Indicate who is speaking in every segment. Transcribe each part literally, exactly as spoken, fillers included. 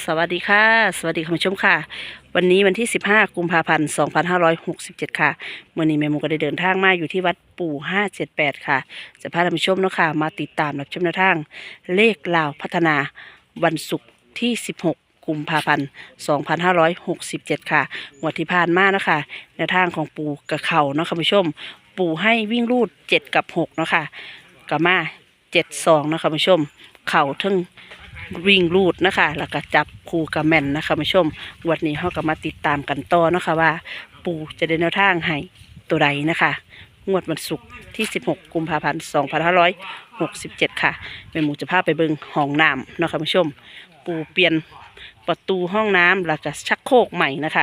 Speaker 1: วัสดีค่ะสวัสดีคุณผู้ชมค่ะวันนี้วันที่สิบห้ากุมภาพันธ์สองพันห้าร้อยหกสิบเจ็ดค่ะเมื่อนี้แม่หมูก็ได้เดินทางมาอยู่ที่วัดปู่ห้าเจ็ดแปดค่ะจะพาท่านผู้ชมเนาะค่ะมาติดตามรับชมแนวทางเลขลาวพัฒนาวันศุกร์ที่สิบหกกุมภาพันธ์สองพันห้าร้อยหกสิบเจ็ดค่ะงวดที่ผ่านมาเนาะค่ะแนวทางของปู่กับเข่าเนาะคุณผู้ชมปู่ให้วิ่งรูดเจ็ดกับหกเนาะค่ะกับมาเจ็ดสองเนาะคุณผู้ชมเข่าทั้งวิ่งรูดนะคะแล้วก็จับคู่กับแม่นนะคะผู้ชมวันนี้เราก็มาติดตามกันต่อนะคะว่าปู่จะได้แนวทางให้ตัวใดนะคะงวดวันศุกร์ที่สิบหกกุมภาพันธ์สองพันห้าร้อยหกสิบเจ็ดค่ะแม่หมูจะพาไปเบิ่งห้องน้ำนะคะผู้ชมปู่เปลี่ยนประตูห้องน้ำแล้วก็ชักโครกใหม่นะคะ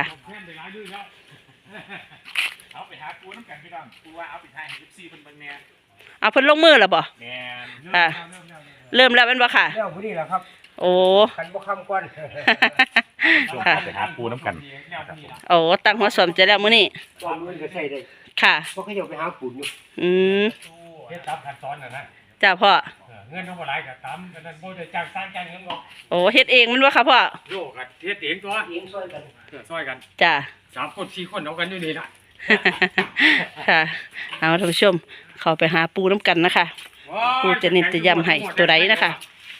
Speaker 2: เอาไปหาปูน้ำกันพี่น้องปูว่าเอาไปทายยิปซีเป็นบางแนว
Speaker 1: เอาเพิ่นลงมือแล้วบ่
Speaker 2: แน่
Speaker 1: อ่าเริ่มแล้วเป็นบ่ค่ะ
Speaker 3: เรื่องพวกนี้แหละครับ
Speaker 1: โอ้
Speaker 3: ขันบ่คำก่อน
Speaker 2: ช่วงเอาไปหาปูน้ำกัน
Speaker 1: โอ้ตั้งหัวสมจะแล้วมื้อนี้
Speaker 3: ตอนนู้นก็ใช่ได้
Speaker 1: ค่ะ
Speaker 3: เพราะเขาจะไปหาปุ๋ยอยู่
Speaker 1: อืม
Speaker 2: เฮ็ดตามขั้นตอนน่ะนะ
Speaker 1: จ้าพ่อ
Speaker 2: เงินเท่าไหร่ก็ตามกันนั่นบ่ได้จ้างสร้างจ้างเงินบ่
Speaker 1: โอ้เฮ็ดเองมันบ่ค่ะพ่อ
Speaker 2: โยกก็เฮ็ดเองตัว
Speaker 3: เองช่วยกัน
Speaker 2: ช่วยกัน
Speaker 1: จ้า
Speaker 2: สามคนสี่คนเอากันอยู่นี่ล่ะ
Speaker 1: ค่ะเอาท่านผู้ชมเข้าไปหาปูน้ำกันนะคะปูจะเน้นจะย้ำให้ตัวใดนะคะ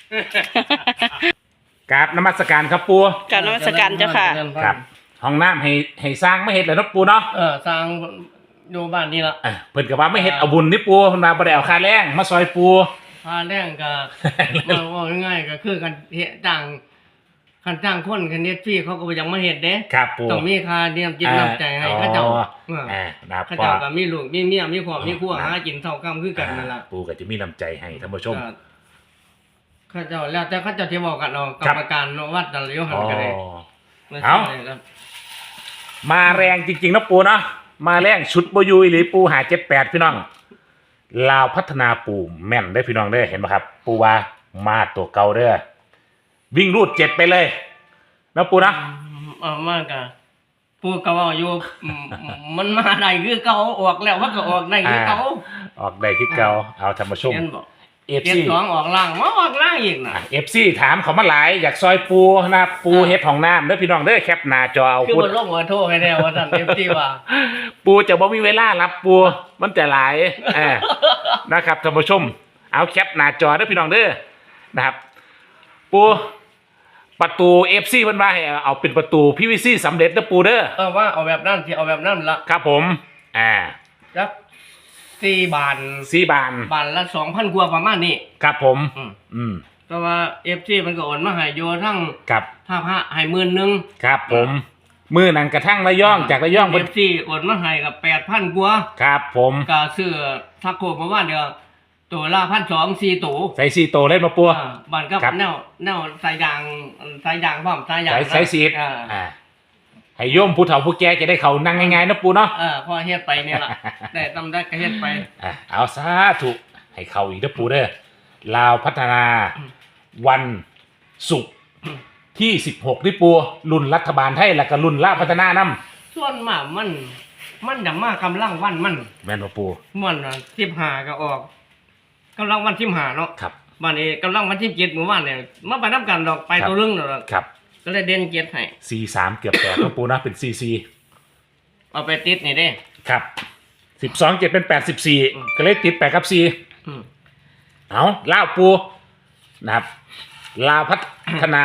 Speaker 2: กราบนมัสการครับปู
Speaker 1: กราบนมัสการเจ้าค่ะ
Speaker 2: ครับห้องน้ำให้ให้สร้างไม่เฮ็ดแล้วเนาะปูเนาะ
Speaker 4: เออสร้างอยู่บ้านนี่ละ
Speaker 2: เพิ่นก็ว่าไม่เฮ็ดเอาบุญนี่ปูเพิ่นว่าบ่ได้เอาค่าแรงมาซอยปู
Speaker 4: ค่าแรงก็มาว่าง่ายๆก็คือกันเฮ็ดจ้างคันจ้างคนกันเฮ็ดฟรีเขาก็บ่ยังมาเฮ็ดเด้
Speaker 2: ครับปู
Speaker 4: ต้องมีค่าเนียมจิตน้ำใจให้เขาเจ้า
Speaker 2: เออนะครับ
Speaker 4: เขาเจ้าก็มีลูกมีเมียมีครอบมีครัวหากินเท่ากันคือกันนั่นล่ะ
Speaker 2: ปูก็จะมีน้ำใจให้ท่านผู้ชม
Speaker 4: เขาเจ้าแล้วแต่เขาเจ้าสิบอกกันเอากรรมการวัดนั่นอยู่หั่นก็ได้
Speaker 2: เอามาแรงจริงๆนะปูเนาะมาแรงชุดบ่อยู่อีหลีปูห้าเจ็ดแปดพี่น้องลาวพัฒนาปูแม่นได้พี่น้องได้เห็นป่ะครับปูว่ามาตัวเก่าเด้อวิ่งรูดเจ็ดไปเลยนะปูนะ
Speaker 4: อ่ามากะปูก็ว่าอยู่มันมาได้คือเก่าออกแล้วมันก็ออกได้คือเก่า
Speaker 2: ออกได้คือเก่าเอาท่านผู้ชม
Speaker 4: เอฟซีสองออกล่างมาออกล่างอีกนะ
Speaker 2: เอฟซีถามเขามาหลายอยากซอยปูนะปูเฮ็ดของน้ำเด้อพี่น้องเด้อแคปหน้าจอเอา
Speaker 4: คือมันลงมาโทษให้แน่ว่าท่านเอฟซีว่า
Speaker 2: ปูจะบ่มีเวลารับปูมันจะหลายอ่านะครับท่านผู้ชมเอาแคปหน้าจอเด้อพี่น้องเด้อนะครับปูประตู เอฟ ซี เพิ่นว่าให้เอาเป็นประตู พี วี ซี สำเร็จเด้อปูเด้อ
Speaker 4: เออว่าเอาแบบนั้นสิเอาแบบนั้นละ
Speaker 2: ครับผมอ่า
Speaker 4: จักสี่บาท
Speaker 2: สี่บาท
Speaker 4: บาทละ สองพัน กว่าประมาณนี้
Speaker 2: ครับผม
Speaker 4: อืม
Speaker 2: อืม
Speaker 4: แต่ว่า เอฟ ซี มันก็โอนมาให้อยู่ทั้ง
Speaker 2: ครับ
Speaker 4: ถ้าพระให้หมื่นนึง
Speaker 2: ครับผมมื้อนั้นกระทั่งระยองจากระยอง
Speaker 4: เพิ่น เอฟ ซี โอนมาให้ก็ แปดพัน กว่า
Speaker 2: ครับผม
Speaker 4: ก็ซื้อทักโคมาว่าเดี๋ยวตัวละ หนึ่งพันสองร้อย สี่ตัว
Speaker 2: ใส่สี่ตัวเล่นมาปัว
Speaker 4: บ้านกับแนวแนวสายยางสายยางพร้อมสายยาง
Speaker 2: ใส่สีอ่าให้โยมผู้เฒ่าผู้แก่จะได้เขานั่งง่ายๆนะปูเนาะ
Speaker 4: เออพอเฮ็ดไปนี่ล่ะได้ทำได้ก็เฮ็ดไป
Speaker 2: อ่าเอาสาธุให้เขาอีกนะปูเด้อลาวพัฒนาวันศุกร์ที่สิบหกนี่ปูรุ่นรัฐบาลไทยแล้วก็รุ่นลาวพัฒนานำ
Speaker 4: ส่วนมากมันมันจะมากำลังวันมัน
Speaker 2: แม่นบ่ปู
Speaker 4: มันสิบห้าก็ออกกำลังวันสิบห้าเนาะ
Speaker 2: ครับ
Speaker 4: บัดนี้กำลังวันที่เจ็ดมื้อวานเนี่ยมาไปนํกันดอกไปตัวนึงเนาะ
Speaker 2: ครับ
Speaker 4: ก็เลยเด่นเจ็ดให้
Speaker 2: สี่สิบสามเกือบแตกนะปูนะเป็น ซี ซี
Speaker 4: เอาไปติดนี่เด้
Speaker 2: ครับสิบสอง เจ็ดเป็นแปดสิบสี่ก็เลยติดแปดกับสี่
Speaker 4: อืม
Speaker 2: เอาลาวปูนะครับลาวพัฒนา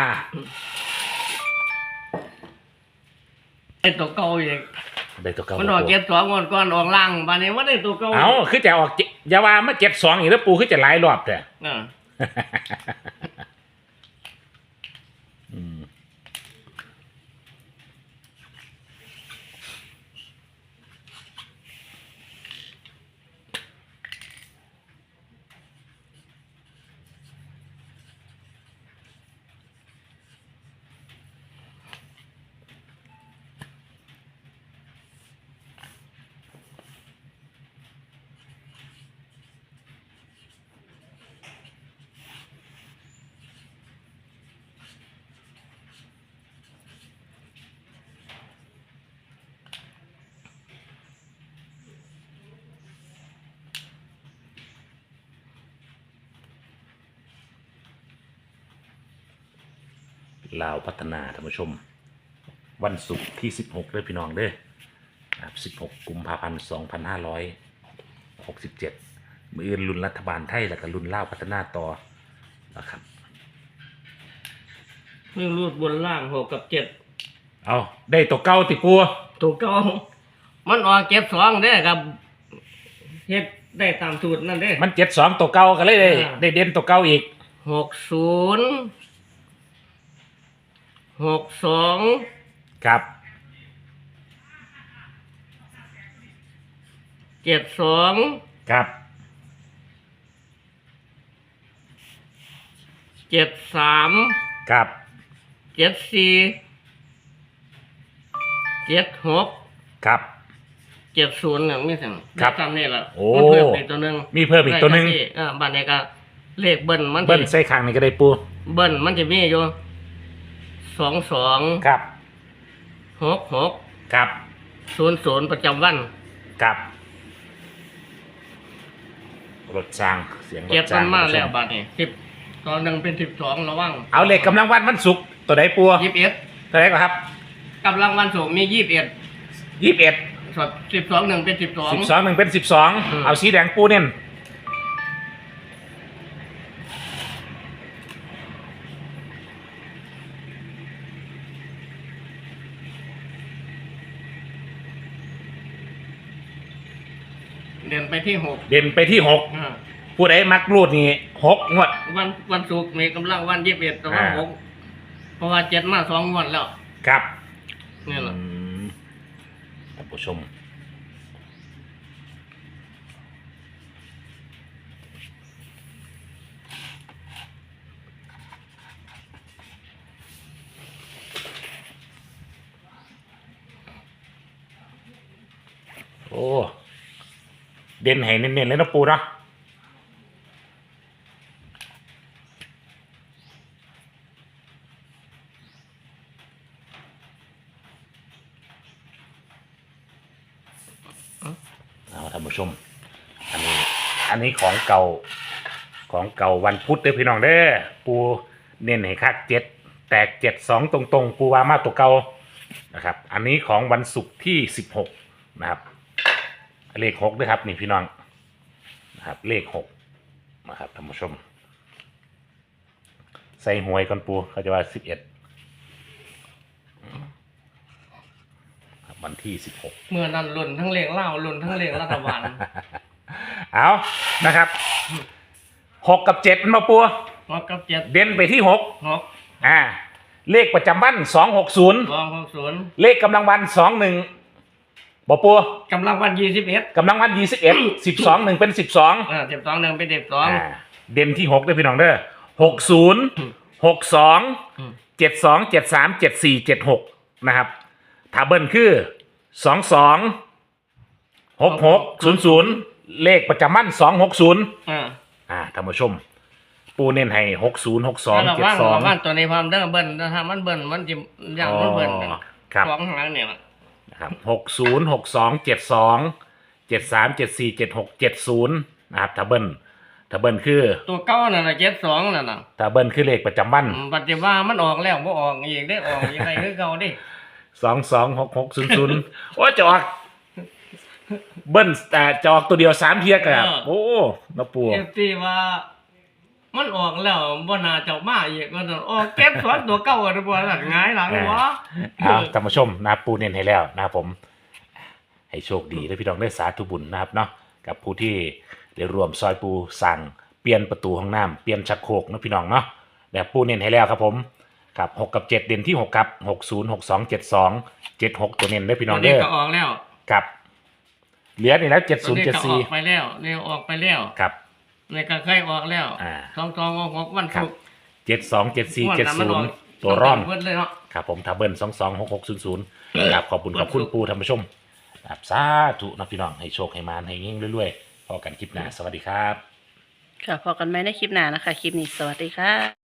Speaker 4: ไอ้ตัวเก่าอีก
Speaker 2: ได้ตัวเก่า
Speaker 4: มันออกเจ็ดสองก่อนก่อนออกล่างบัดนี้ว่าได้ตัวเก่า
Speaker 2: เอาคือจะออกอย่าว่ามาเจ็ดสองอีกแล้วปูคือจะหลายรอบแต่
Speaker 4: เออ
Speaker 2: ลาวพัฒนาท่านผู้ชมวันศุกร์ที่สิบหกเด้อพี่น้องเด้อครับสิบหกกุมภาพันธ์สองพันห้าร้อยหกสิบเจ็ดมืออื่นรุ่นรัฐบาลไทยแล้วก็รุ่นลาวพัฒนาต่อนะครับ
Speaker 4: เรื่องรูดบนล่างหกกับเจ็ด
Speaker 2: เอาได้ตัวเก่าติปู
Speaker 4: ถูกต้องมันออกเก็บสองเด้อครับเฮ็ดได้ตามสูตรนั่นเด้อ
Speaker 2: มันเจ็ดสองตัวเก่าก็เลยได้
Speaker 4: อ่า
Speaker 2: ได้เด่นตัวเก่าอีก
Speaker 4: หกศูนย์หกสอง
Speaker 2: ครับ
Speaker 4: เจ็ดสอง
Speaker 2: ครับ
Speaker 4: เจ็ดสาม
Speaker 2: ครับ
Speaker 4: เจ็ดสี่เจ็ดหก
Speaker 2: ครับ
Speaker 4: เจ็ดศูนย์เนี่ยไม่ถึง
Speaker 2: ครับ
Speaker 4: จำนี่แหละ
Speaker 2: โอ้
Speaker 4: มันเพิ่มอีกตัวหนึง
Speaker 2: มีเพิ่มอีกตัวหนึ่ง
Speaker 4: ได้ครับพี่อ่าบัตรนี้ก็เลขเบิ้ลมัน
Speaker 2: เบิ้ลใส่คางนี่ก็ได้ปู
Speaker 4: เบิ้ลมันจะมีอยู่สองสอง
Speaker 2: ครับ
Speaker 4: หกหก
Speaker 2: ครับ
Speaker 4: ศูนย์ศูนย์ประจำวัน
Speaker 2: ครับรถจางเสียงร
Speaker 4: เจ็ด
Speaker 2: ถจา
Speaker 4: มั
Speaker 2: ง
Speaker 4: นมาแล้วบัตรนี้สิบตอนหนึ่งเป็นสิบสองระวัง
Speaker 2: เอาเลขกำลังวันมันสุกร์ตัวไหนปู
Speaker 4: ยี่สิบเอ็ด
Speaker 2: ตัวไหนก่อนครับ
Speaker 4: กำลังวันสูงมียี่สิบเอ็ด
Speaker 2: ยี่สิบเอ็ด
Speaker 4: สดสิบสองหนึ่งเป็นสิบสอง
Speaker 2: สิบสองหนึ่งเป็นสิบสอง
Speaker 4: อืม
Speaker 2: เอาสีแดงปูเน้น
Speaker 4: เดินไปที่หก
Speaker 2: เด่นไปที่หก
Speaker 4: อ่า
Speaker 2: ผู้ใดมักรูดนี่หกงวด
Speaker 4: วันวันศุกร์มีกำลังวันยี่สิบเอ็ดแต่ว่า
Speaker 2: อ่า
Speaker 4: หกเพราะว่าเจ็ดมาสองวันแล้ว
Speaker 2: ครับ
Speaker 4: นี่แหละ
Speaker 2: อืมท่านผู้ชมโอ้เด่นให้เน้นๆเลยนะปูเนาะเอาท่านผู้ชม อันนี้ อันนี้ของเก่าของเก่าวันพุธเด้อพี่น้องเด้อปูเน้นให้คักเจ็ดแตกเจ็ดสองตรงๆ ปูวามาตัวเก่านะครับ อันนี้ของวันศุกร์ที่สิบหกนะครับ เลขหกด้วยครับนี่พี่น้องนะครับเลขหกนะครับท่านผู้ชม ใส่หวยก่อนปูเขาจะว่าสิบเอ็ดวันที่สิบหก
Speaker 4: เมื่อนั้นหล่นทั้งเลขเล่าหล่นทั้งเลขรัฐบาล
Speaker 2: เอานะครับหกกับเจ็ดมันมาปู
Speaker 4: หกกับเจ็ด
Speaker 2: เด่นไปที่หก
Speaker 4: หก
Speaker 2: อ่าเลขประจำวันสองหกศูนย์
Speaker 4: สองหกศูนย์
Speaker 2: เลขกำลังวันสองหนึ่งบอปู
Speaker 4: กำลังวันยี่สิบเอ็ด
Speaker 2: กำลังวันยี่สิบเอ็ดสิบสองหนึ่งเป็นสิบสอง
Speaker 4: อ่าสิบสองหนึ่งเป็นสิบสอง
Speaker 2: อ่าเด่นที่หกด้วยพี่น้องเด้อหกศูนย์หกสองเจ็ดสองเจ็ดสามเจ็ดสี่เจ็ดหกนะครับถ้าเบิ้ลคือสองสองหกหกศูนย์ศูนย์เลขประจำวันสองหกศูนย์
Speaker 4: อ่า
Speaker 2: อ่าท่านผู้ชม ปูเน้นให้หกศูนย์หกสอง
Speaker 4: ระ
Speaker 2: เจ็ด
Speaker 4: วัง
Speaker 2: สอง
Speaker 4: ระวังตัวในความเด้อเบิ้ลถ้ามันเบิ้ลมันจะอย่างมันเบิ้ลกัน
Speaker 2: ครับ
Speaker 4: สองหางเนี่ยล่ะ
Speaker 2: นะครับหกศูนย์หกสองเจ็ดสองเจ็ดสามเจ็ดสี่เจ็ดหกเจ็ดศูนย์นะครับถ้าเบิ้ลถ้าเบิ้ลคือ
Speaker 4: ตัวเก้านั่นน่ะเจ็ดสองนั่นน่ะ
Speaker 2: ถ้าเบิ้ลคือเลขประจำวัน
Speaker 4: อืมปัจจุบันมันออกแล้วบ่ออกอีกได้ออกยังไงคือเก่าดิ
Speaker 2: สองสองหกหกศูนย์ศูนย์โอ้จะออกเบิ้ลแต่จะออกตัวเดียวสามเทียกับโอ้นะปู
Speaker 4: เอฟซีว่า มันออกแล้วบ่น่าจะมาอีกว่าซั่นออกเก็บสวนตัวเก่าอะบ่ล่ะหงายหลังวะ
Speaker 2: เอาท่านผู้ชมนะปูเน้นให้แล้วนะครับผม ให้โชคดีและพี่น้องได้สาธุบุญนะครับเนาะกับผู้ที่ได้รวมซอยปูสั่งเปลี่ยนประตูห้องน้ำเปลี่ยนชักโครกนะพี่น้องเนาะแบบปูเน้นให้แล้วครับผมกับหกกับเจ็ดเด่นที่หกครับหกศูนย์หกสองเจ็ดสองเจ็ดหกตัวเน้นได้พี่น้อง
Speaker 4: ตัว
Speaker 2: เด้
Speaker 4: นี้
Speaker 2: อ
Speaker 4: ก็ออกแล้ว
Speaker 2: กับเหลือนี่แล้วเจ็ด
Speaker 4: ตั
Speaker 2: ศู
Speaker 4: วน
Speaker 2: ย์
Speaker 4: นี้
Speaker 2: เจ็ด
Speaker 4: ก็อ
Speaker 2: สี่
Speaker 4: อกไปแล้วนี่ออกไปแล้ว
Speaker 2: ครับ
Speaker 4: นี่ก็เคยออกแล้ว
Speaker 2: อ่า
Speaker 4: สองสองออกหกวัน
Speaker 2: ครับ
Speaker 4: ศุกร์
Speaker 2: เจ็ดสองเจ็ดสี่
Speaker 4: วัน
Speaker 2: เจ็ด
Speaker 4: นั้นมั
Speaker 2: ศู
Speaker 4: นออน ก
Speaker 2: ย์ตัวร่อง
Speaker 4: เบิดเลยเนาะ
Speaker 2: ครับผมทับเบิลสองสองหกหกศูนย์ศูนย์ครับขอบคุณขอบคุณปูท่านผู้ชมครับสาธุนะพี่น้องให้โชคให้มานให้เงี้ยเรื่อยๆพอกันคลิปหน้าสวัสดีครับ
Speaker 1: ค่ะพอกันไหมในคลิปหน้านะคะ คลิปนี้สวัสดีค่ะ